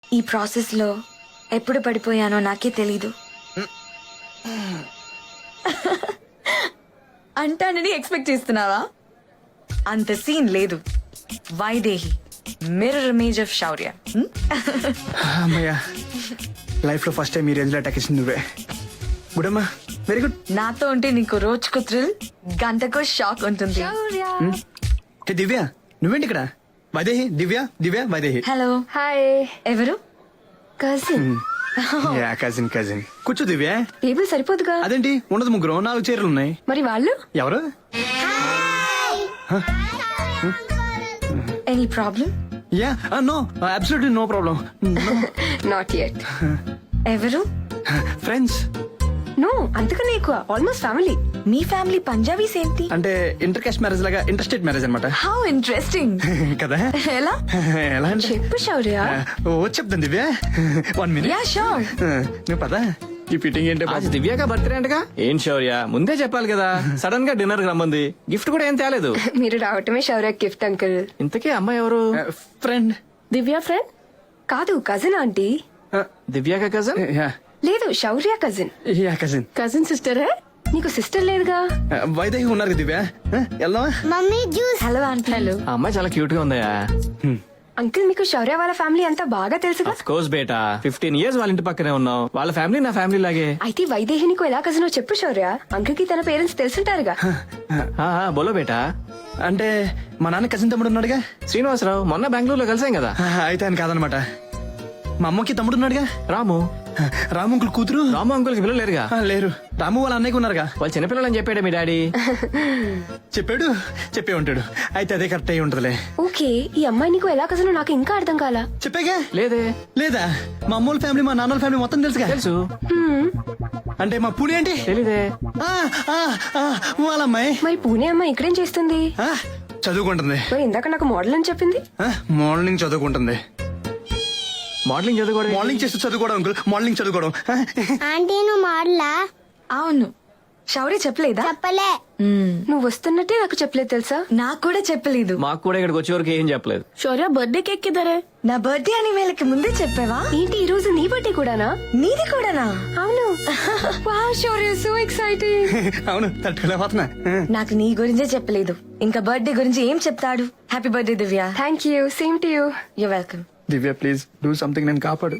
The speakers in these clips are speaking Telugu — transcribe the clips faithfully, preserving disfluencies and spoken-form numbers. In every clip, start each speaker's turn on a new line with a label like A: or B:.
A: ఈ ప్రాసెస్ లో ఎప్పుడు పడిపోయానో నాకే తెలీదు. అంటానని ఎక్స్పెక్ట్ చేస్తున్నావా? అంత సీన్ లేదు. Vaidehi, mirror image of Shaurya.
B: అమ్మయ్యా, లైఫ్ లో ఫస్ట్ టైం ఈ రేంజ్ లో అటాక్ ఇచ్చింది నువ్వే. గుడ్ అమ్మా, వెరీ గుడ్.
A: నాతో ఉంటే నీకు రోజుకు థ్రిల్, గంటకు షాక్ ఉంటుంది.
B: హే దివ్య, నువ్వేంటి ఇక్కడ? వైదేహి, దివ్య, దివ్య, వైదేహి.
A: హలో.
C: హాయ్.
A: ఎవరు?
C: కజిన్.
B: Yeah, cousin cousin. కూర్చో దివ్య.
C: టేబుల్ సరిపోదుగా?
B: అదేంటి, ఉండదు ముగ్గురు, నాలుగు చీరలు ఉన్నాయి.
C: మరి వాళ్ళు?
B: ఎవరు?
A: Any problem?
B: Yeah, no, absolutely no problem.
C: Not yet.
A: ఎవరు?
B: ఫ్రెండ్స్.
C: నో, అంతకన్నా ఎక్కువ, ఆల్మోస్ట్ ఫ్యామిలీ.
A: మీ ఫ్యామిలీ పంజాబీస్ ఏంటి?
B: అంటే ఇంటర్ కాస్ట్ మ్యారేజ్ లాగా, ఇంటర్ స్టేట్ మ్యారేజ్ అనమాట.
A: How interesting.
B: కదా?
A: ఎలా?
B: ఎలా అంటే
C: చెప్పు శౌర్య.
B: ఓ చెప్తాను Divya, one minute.
A: Yeah sure.
B: నువ్వు పదా, ఈ ఫిట్టింగ్ ఏంటో
D: आज దివ్యాక బర్త్డే అంటగా? ఏం శౌర్య, ముందే చెప్పాలి కదా. సడన్ గా డిన్నర్ రమ్మంది, గిఫ్ట్ కూడా ఏం తేలేదు.
C: మీరు రావటమే శౌర్య గిఫ్ట్ అంకుల్.
D: ఇంతకీ అమ్మాయి ఎవరు?
B: ఫ్రెండ్.
C: దివ్య ఫ్రెండ్ కాదు, కజిన్ ఆంటీ.
D: దివ్యాక కజన్?
B: యా
C: లేదు, Shaurya cousin.
B: Yeah cousin.
C: Cousin sister. నీకు సిస్టర్ లేదుగా?
B: వైదేహి ఉన్నారు కదా దివ్య, వెళ్దామా?
A: Mummy juice. Hello aunty. Hello.
D: ఆ అమ్మాయి చాలా క్యూట్ గా ఉందయా.
C: అంకుల్, మీకు శౌర్య వాళ్ళ ఫ్యామిలీ అంతా బాగా తెలుసుగా?
D: ఆఫ్ కోర్స్ బేటా, ఫిఫ్టీన్ ఇయర్స్ వాళ్ళ ఇంటి పక్కనే ఉన్నాం. వాళ్ళ ఫ్యామిలీ నా ఫ్యామిలీ లాగే.
C: అయితే వైదేహి నీకు ఎలా కజినో చెప్పు శౌర్య. అంకుల్ కి తన పేరెంట్స్ తెలుసుంటారుగా.
D: ఆ, ఆ, బోలో బేటా.
B: అంటే మా నాన్న కజిన్ తమ్ముడు ఉన్నాడుగా,
D: శ్రీనివాసరావు. మొన్న బెంగళూరులో కలిసాం కదా.
B: అయితే ఆయన కాదనమాట. మా అమ్మకి తమ్ముడు ఉన్నాడుగా,
D: రాము.
B: రాము అంకుల్ కూతురు.
D: రాము అంకుల్ కి పిల్లలు లేరుగా?
B: ఆ, లేరు. రాము వాళ్ళ అన్నయ్యకి ఉన్నారుగా.
D: వాళ్ళు చిన్నపిల్లలు అని చెప్పాడే మీ డాడీ.
B: చెప్పాడు, చెప్పే ఉంటాడు. అయితే అదే కరెక్ట్ అయి ఉంటదిలే.
C: ఓకే, ఈ అమ్మాయి నీకు ఎలా కజినో నాకు ఇంకా అర్థం కాలా.
B: చెప్పాగా.
D: లేదే.
B: లేదా? మా అమ్మోళ్ళ ఫ్యామిలీ, మా నాన్నల ఫ్యామిలీ మొత్తం తెలుసుగా.
D: తెలుసు.
B: అంటే మా పూడి ఏంటి?
D: తెలీదే.
B: ఆ, ఆ, ఆ, వాళ్ళ అమ్మాయి.
C: మరి పూణే అమ్మాయి ఇక్కడేం చేస్తుంది?
B: ఆ, చదువుకుంటుంది.
C: మరి ఇందాక నాకు మోడల్ అని చెప్పింది.
B: ఆ, మార్నింగ్ చదువుకుంటుంది.
D: మోడలింగ్ చదువుకోవడం?
B: మార్నింగ్ చేస్తూ చదువుకోవడం అంకుల్, మార్నింగ్ చదువుకోవడం.
E: ఆంటీ నువ్వు మాడలా?
A: అవును. శౌర్య చెప్పలేదా?
E: చెప్పలే.
A: మ్మ్.
C: నువ్వు వస్తున్నట్టే నాకు చెప్పలేదు తెలుసా?
A: నాకు కూడా చెప్పలేదు.
D: మాకు కూడా ఇక్కడికి వచ్చే వరకు ఏం చెప్పలేదు.
C: శౌర్య బర్త్డే కేక్ కిదరే?
A: నా బర్త్డే అని వీళ్ళకి ముందే చెప్పావా?
C: ఏంటి ఈ రోజు నీ బర్త్డే కూడానా?
A: నీది కూడానా?
C: అవును. Wow Shaurya, so exciting.
B: అవును, తట్టుకోలేకపోతున్నా.
A: నాకు నీ గురించే చెప్పలేదు, ఇంకా బర్త్డే గురించి ఏం చెప్తాడు? Happy birthday Divya.
C: Thank you, same to you.
A: You welcome.
B: Divya please do something, నేను కాపాడు.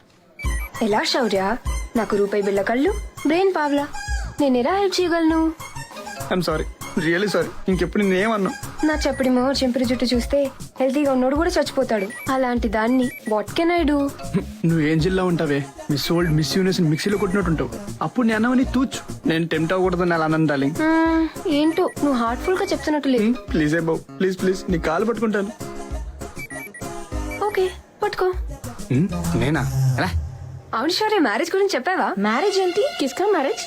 C: ఎలా శౌర్య? నాకు రూపాయి బిళ్ళ కళ్ళు, బ్రెయిన్ పావ్లా. నేను ఎలా హెల్ప్ చేయగలను?
B: I'm sorry, really sorry. ఇంకెప్పుడు నేనేమన్నా.
C: నా చప్పడి మో చెంపిరి జుట్టు చూస్తే హెల్తీగా ఉన్నోడు కూడా చచ్చిపోతాడు. అలాంటి దాన్ని వాట్ కెన్ ఐ డూ?
B: నువ్వు ఏం జిల్లా ఉంటావే, మిస్ ఓల్డ్ మిస్ యూనివర్స్ మిక్సీలో కొట్టినట్టు ఉంటావు. అప్పుడు నేను అన్నవని తూచు. నేను టెంప్ట్ అవ్వకూడదని అలా అన్నాను డార్లింగ్.
C: ఏంటో నువ్వు హార్ట్ఫుల్ గా చెప్తున్నట్టు లేదు.
B: ప్లీజ్ ఏ బాబు, ప్లీజ్ ప్లీజ్, నీ కాలు పట్టుకుంటాను.
C: ఓకే, పట్టుకో.
B: హ్మ్, నేనా? ఎలా?
C: అవును శౌర్య, మ్యారేజ్ గురించి చెప్పావా?
A: మ్యారేజ్ ఏంటి?
C: కిస్కా మ్యారేజ్?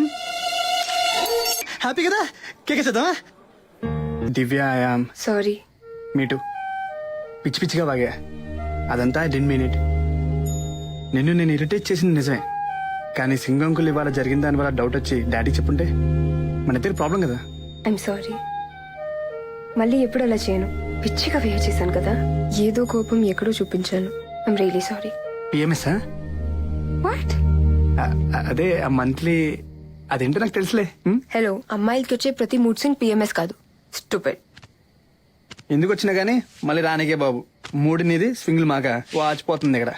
B: హ్యాపీ కదా? కేక్ చేద్దామా? Divya I'm
C: sorry.
B: మీటు పిచ్చి పిచ్చిగా బాగా, అదంతా ఐ డెంట్ మీన్ ఇట్. నిన్ను నేను ఇరిటేట్ చేసింది నిజమే, కానీ సింగంకులు ఇవాళ జరిగిన దాని వల్ల డౌట్ వచ్చి డాడీ చెప్పుంటే మన ఇద్దరు ప్రాబ్లం కదా.
C: I'm sorry. మళ్ళీ ఎప్పుడు అలా చేయను. పిచ్చిగా వేయ చేశాను కదా, ఏదో కోపం ఎక్కడో చూపించాను. I'm really sorry.
B: PMS?
C: What?
B: అదే ఆ మంత్లీ, అదేంటో నాకు తెలుసులే. హ్మ్?
C: హలో, అమ్మాయిలకి వచ్చే ప్రతి మూడ్ స్వింగ్ పిఎంఎస్ కాదు, స్టూపిడ్.
B: ఎందుకు వచ్చినా గానీ మళ్ళీ రానికే బాబు. మూడు నీది, స్వింగ్లు మాక వాచిపోతుంది ఇక్కడ.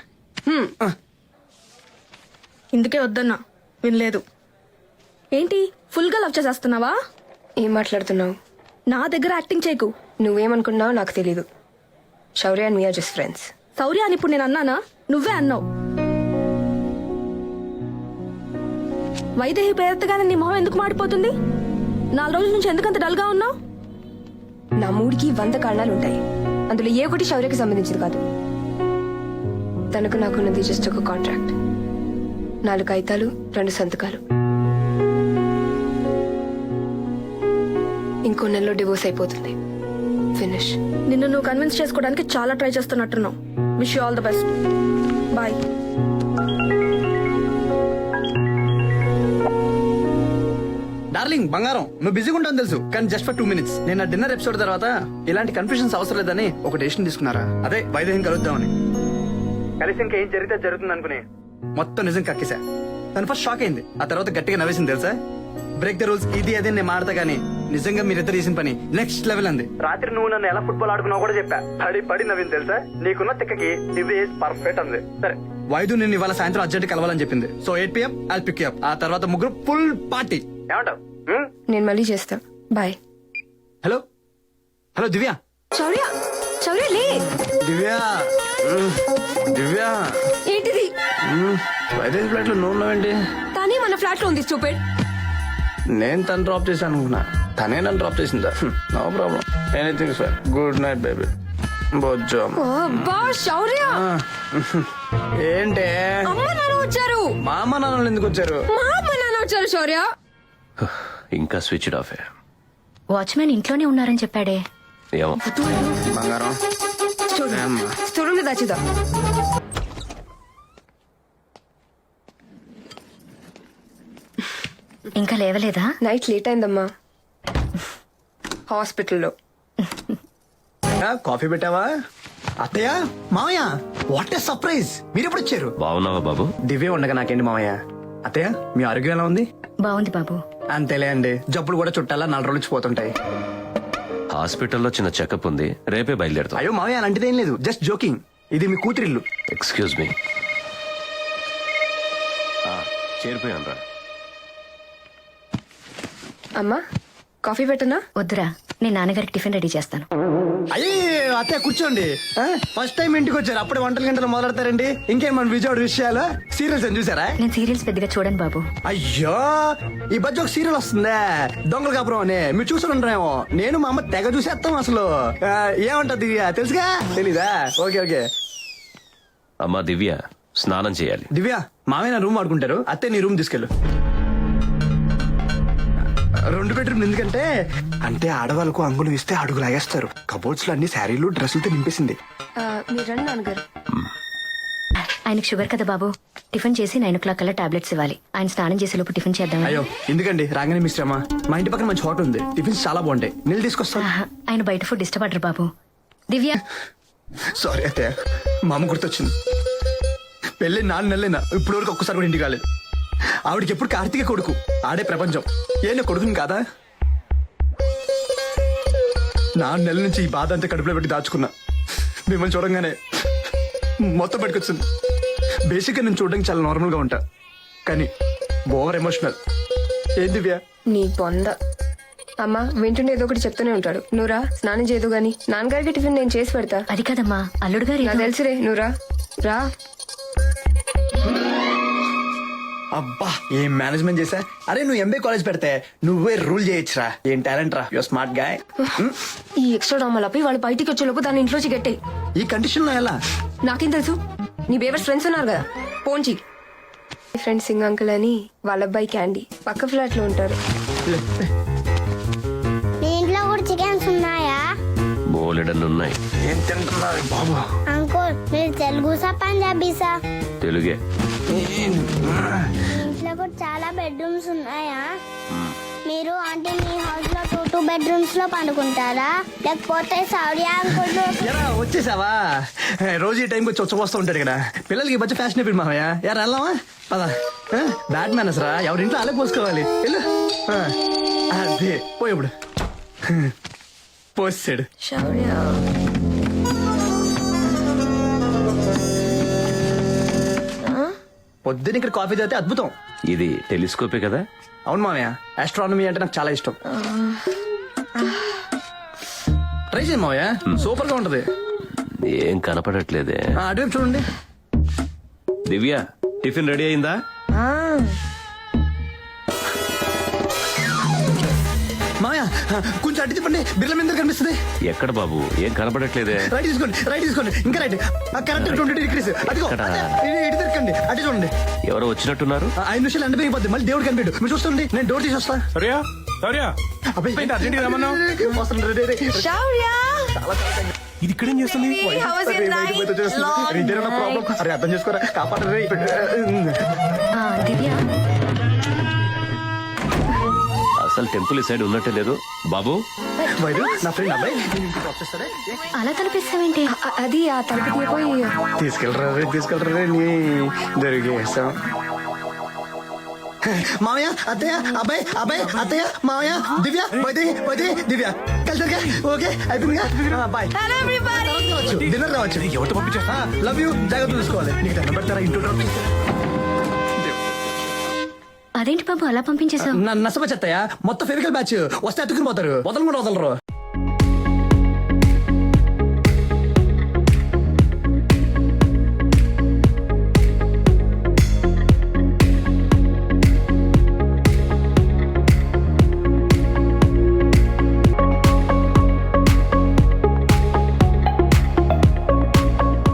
F: ఇందుకే వద్దన్నా, వినలేదు. ఏంటి ఫుల్ గా లవ్ చేసేస్తున్నావా?
C: ఏం మాట్లాడుతున్నావు?
F: నా దగ్గర యాక్టింగ్ చేయకు.
C: నువ్వేమనుకున్నావు నాకు తెలీదు. Shaurya and we are just friends.
F: Shaurya అని ఇప్పుడు నేను అన్నానా? నువ్వే అన్నావు. వైదేహి పేరెత్తగానే నీ మొహం ఎందుకు మాడిపోతుంది? నాలుగు రోజుల నుంచి ఎందుకంత డల్ గా ఉన్నావు?
C: నా మూడికి వంద కారణాలు ఉంటాయి, అందులో ఏ ఒకటి శౌర్యకి సంబంధించింది కాదు. తనకు నాకున్నది జస్ట్ ఒక కాంట్రాక్ట్, నాలుగు కాగితాలు, రెండు సంతకాలు. ఇంకో నెలలో డివోర్స్ అయిపోతుంది. ఫినిష్.
F: నిన్ను నువ్వు కన్విన్స్ చేసుకోవడానికి చాలా ట్రై చేస్తున్నట్టున్నావు. Wish you all the best. Bye.
B: Darling బంగారం, నువ్వు బిజీగా ఉంటావు తెలుసు, కానీ జస్ట్ ఫర్ టూ మినిట్స్. నేను డిన్నర్ ఎపిసోడ్ తర్వాత ఇలాంటి కన్ఫ్యూజన్స్ అవసరం లేదని ఒక డెసిషన్ తీసుకున్నారా. అదే వైదేహిని కలుద్దామని. కలిసి ఇంకా ఏం జరిగితే జరుగుతుంది అనుకుని మొత్తం నిజం కక్కేసా. తను ఫస్ట్ షాక్ అయింది, ఆ తర్వాత గట్టిగా నవ్వేసింది తెలుసా. బ్రేక్ ద రూల్స్ ఇది అదే నేను మాడతా గానీ నిజంగా మీరిద్దరు చేసిన పని నెక్స్ట్ లెవెల్ అంది. రాత్రి నువ్వు నన్ను ఎలా ఫుట్బాల్ ఆడుకున్నావు కూడా చెప్పా. పడి పడి నవ్వింది తెలుసా. నీకున్న తిక్కకి ఇది పర్ఫెక్ట్ అంది. సరే వైద్యు నేను ఇవాళ సాయంత్రం అర్జెంట్ కలవాలని చెప్పింది. So eight PM I'll pick up. ఆ తర్వాత ముగ్గురు ఫుల్ పార్టీ. ఏమంటావు?
C: నేను మళ్ళీ చేస్తా. Bye.
B: Hello hello Divya.
C: Shaurya Shaurya లే.
B: దివ్య దివ్య
C: ఏంటిది?
B: వైదేహి ఫ్లాట్ లో నువ్వు ఉన్నావేంటి?
C: తనే మన ఫ్లాట్ లో ఉంది స్టూపిడ్.
B: నేను తను డ్రాప్ చేశాను అనుకున్నా, తనే నన్ను డ్రాప్ చేసిందా? No problem, anything sir. Good night baby. బొజ్జో.
C: అబ్బా శౌర్య.
B: ఏంటే
C: అమ్మ నాన్న వచ్చారు.
B: మా అమ్మ నాన్నలు ఎందుకు వచ్చారు?
C: మా అమ్మ నాన్న వచ్చారు శౌర్య.
G: ఇంకా స్విచ్ ఆఫ్.
H: వాచ్మెన్ ఇంట్లోనే ఉన్నారని చెప్పాడే.
G: ఏమో.
B: బంగారం
C: స్టోర్ లో దాచిదా.
H: ఇంకా లేవలేదా?
C: నైట్ లేట్ అయిందమ్మా హాస్పిటల్లో.
B: కాఫీ పెట్టావా? అత్తయ్య మామయ్య వాట్ ఏ సర్ప్రైజ్, మీరు ఎప్పుడు వచ్చారు?
G: బాగున్నావా బాబు?
B: దివ్య ఉండగా నాకేంటి మామయ్య. అత్తయ్య మీ ఆరోగ్యం ఎలా ఉంది?
H: బాగుంది బాబు.
B: అంతేలే అండి, జబ్బులు కూడా చుట్టాలా నాలుగు రోజులు పోతుంటాయి.
G: హాస్పిటల్లో చిన్న చెకప్ ఉంది, రేపే బయలుదేరుతాం.
B: అయ్యో మామయ్య అలాంటిదేం లేదు, జస్ట్ జోకింగ్. ఇది మీ కూతురిల్లు.
G: Excuse me. చేరిపోయాను రా.
C: అమ్మా కాఫీ పెట్టనా?
H: వద్దురా, నేను నాన్నగారికి టిఫిన్ రెడీ చేస్తాను.
B: అయ్యే అత్తయ్య కూర్చోండి. ఫస్ట్ టైం ఇంటికి వచ్చారు, అప్పుడే వంటల గంటలు మొదలెడతారండి. ఇంకేం మన విజయవాడ విషయాలు సీరియల్స్ అని చూసారా?
H: నేను సీరియల్స్ పెద్దగా చూడను బాబు.
B: అయ్యో ఈ మధ్య ఒక సీరియల్ వస్తుందే దొంగల కాపురం అని, మీరు చూసి ఉంటారేమో. నేను మా అమ్మ తెగ చూసేస్తాం అసలు. ఆ, ఏమంటది తెలుసుగా? తెలీదా? Okay okay.
G: అమ్మా దివ్య స్నానం చేయాలి.
B: దివ్య మామయ్య నా రూమ్ ఆడుకుంటారు, అత్తే నీ రూమ్ తీసుకెళ్ళు. రెండు బెడ్రూమ్ ఎందుకంటే అంటే ఆడవాళ్ళకు అంగులు ఇస్తే అడుగు లాగేస్తారు. కబోర్డ్స్ లో అన్ని శారీలు డ్రెస్సులతో నింపేసింది.
C: ఆ, మీరు రండి నాన్నగారు.
H: ఆయనకు షుగర్ కదా బాబు. టిఫిన్ చేసి నైన్ ఓ క్లాక్ కల్లా టాబ్లెట్స్ ఇవ్వాలి. ఆయన స్నానం చేసే లోపు టిఫిన్ చేద్దాం.
B: అయ్యో ఎందుకండి రాగానే మిస్ అమ్మా, మా ఇంటి పక్కన మంచి హోటల్ ఉంది, టిఫిన్స్ చాలా బాగుంటాయి, నీళ్ళు తీసుకొస్తా.
H: ఆయన బయట ఫుడ్ ఇష్టపడరు బాబు. దివ్య
B: సారీ అయితే మా అమ్మ గుర్తొచ్చింది. పెళ్ళి నాలుగు నెలలైనా ఇప్పటి వరకు ఒక్కసారి కూడా ఇంటికి కాలేదు. ఆవిడకి ఎప్పుడు కార్తీక కొడుకు, ఆడే ప్రపంచం. ఏ నా కొడుకుని కాదా? నాలుగు నెలల నుంచి ఈ బాధ అంతా కడుపులో పెట్టి దాచుకున్నా. మిమ్మల్ని చూడంగానే మొత్తం పట్టుకొచ్చింది. బేసిక్గా నేను చూడడానికి చాలా నార్మల్ గా ఉంటా, కానీ ఓవర్ ఎమోషనల్. ఏం దివ్య?
C: నీ పొంద. అమ్మా వింటుండే ఏదో ఒకటి చెప్తూనే ఉంటాడు. నువ్వురా స్నానం చేయదు గాని నాన్నగారికి టిఫిన్ నేను చేసి పెడతా.
H: అది కదమ్మా, అల్లుడు గారు
C: నాకు తెలుసురే, నువ్వురా రా.
B: అబ్బా ఏం మేనేజ్మెంట్ చేశా. అరే నువ్వు ఎంబీ కాలేజ్ పెడితే నువ్వే రూల్ చేయొచ్చురా. ఏం టాలెంట్ రా, యువర్ స్మార్ట్ గాయ్.
C: ఈ ఎక్స్ట్రా డ్రామాలపై వాళ్ళు బయటికి వచ్చేలోపు దాని ఇంట్లోంచి గట్టాయి.
B: ఈ కండిషన్ లో ఎలా?
C: నాకేం తెలుసు? నీ బేవర్స్ ఫ్రెండ్స్ ఉన్నారు కదా, పోంచి. ఫ్రెండ్ సింగ్ అంకుల్ అని వాళ్ళ అబ్బాయి క్యాండీ పక్క ఫ్లాట్ లో ఉంటారు.
E: మీ ఇంట్లో కూడా చికెన్స్ ఉన్నాయా?
G: బోలెడన్ని ఉన్నాయి.
B: ఏం తింటున్నారు బాబు?
E: అంకుల్ మీరు తెలుగుసా పంజాబీసా?
G: తెలుగే.
E: ఇంట్లో కూడా చాలా బెడ్రూమ్స్ ఉన్నాయా? మీరు అంటే మీ హౌస్ లో టూ టూ బెడ్రూమ్స్ లో పండుకుంటారా, లేకపోతే సౌర్య అంకుల్?
B: ఎరా వచ్చేసావా? రోజు ఈ టైంకి వచ్చి వచ్చి వస్తూ ఉంటాడు ఇక్కడ. పిల్లలకి ఈ మధ్య ఫ్యాషన్ అయిపోయింది మామయ్య. ఎరా వెళ్దామా? పదా. బ్యాట్ మ్యానస్ రా, ఎవరి ఇంట్లో అలా పోసుకోవాలి. వెళ్ళు. ఆ, అదే పోయప్పుడు పోసాడు.
C: శౌర్య
B: పొద్దున్న ఇక్కడ కాఫీ తాగితే అద్భుతం.
G: ఇది టెలిస్కోపే కదా?
B: అవును మామయ్య, ఆస్ట్రానమీ అంటే నాకు చాలా ఇష్టం. ట్రై చేయండి మామయ్య, సూపర్ గా ఉంటది.
G: ఏం కనపడట్లేదే.
B: ఆ, అటువైపు చూడండి.
G: దివ్య టిఫిన్ రెడీ అయిందా?
B: మామయ్య కొంచెం అడ్డు చెప్పండి, బిర్ల మీద కనిపిస్తుంది.
G: ఎక్కడ బాబు? ఏం కనపడట్లేదే.
B: రైట్ తీసుకోండి, రైట్ తీసుకోండి, ఇంకా రైట్. Correct twenty degrees. అదిగో
G: ఎక్కడ?
B: ఇటు తిరగండి, అటు చూడండి.
G: ఎవరో వచ్చినట్టున్నారు.
B: ఆ, ఐదు నిమిషాలు ఎండ పెరిగిపోద్ది, మళ్ళీ దేవుడు కనిపించడు. మీరు చూస్తుంది, నేను డోర్ తీసి వస్తా.
D: సౌర్య సౌర్య
B: అబ్బాయి,
D: అర్జెంట్గా రమ్మన్నావు.
B: వస్తాను, రే, రే, రే.
A: శౌర్య
D: ఇది ఇక్కడేం చేస్తుంది?
A: how was your
B: ray,
A: night?
B: బయటకు పోతే వచ్చేస్తుంది.
A: Long
B: రే, ఇదేనా ప్రాబ్లం? అరే అర్థం చేసుకోరా, కాపాడరే.
H: ఆ, దివ్య
G: అసలు అసలు టెంపుల్ ఈ సైడ్ ఉన్నట్టే లేదు బాబు.
B: వైదు నా ఫ్రెండ్ అబ్బాయి నేను ఇంటికి డ్రాప్ చేస్తాడే
H: అలా తలపిస్తావేంటి?
C: అ- అది ఆ తలుపు తీయపోయి
B: తీసుకెళ్ళరా రే తీసుకెళ్ళరా రే నీ దొరికేస్తాం.
I: మామయ్య అత్తయ్య అబ్బాయి అబ్బాయి అత్తయ్య మామయ్య దివ్య వైదే వైదే దివ్య కలిసరిగా ఓకే అయిపోయిందిగా బాయ్ డిన్నర్ రావచ్చు
B: ఎవరితో పంపించేస్తా
I: లవ్ యూ జాగ్రత్త చూసుకోవాలి
B: నీకు దండం పెడతారా ఇంట్లో డ్రాప్ చేస్తే
H: అదేంటి బాబు అలా పంపించేశావు?
I: నసమ చెత్తయ్య మొత్తం ఫెవికల్ బ్యాచ్ వస్తే అతుకుని పోతారు వదలకుండా వదలరు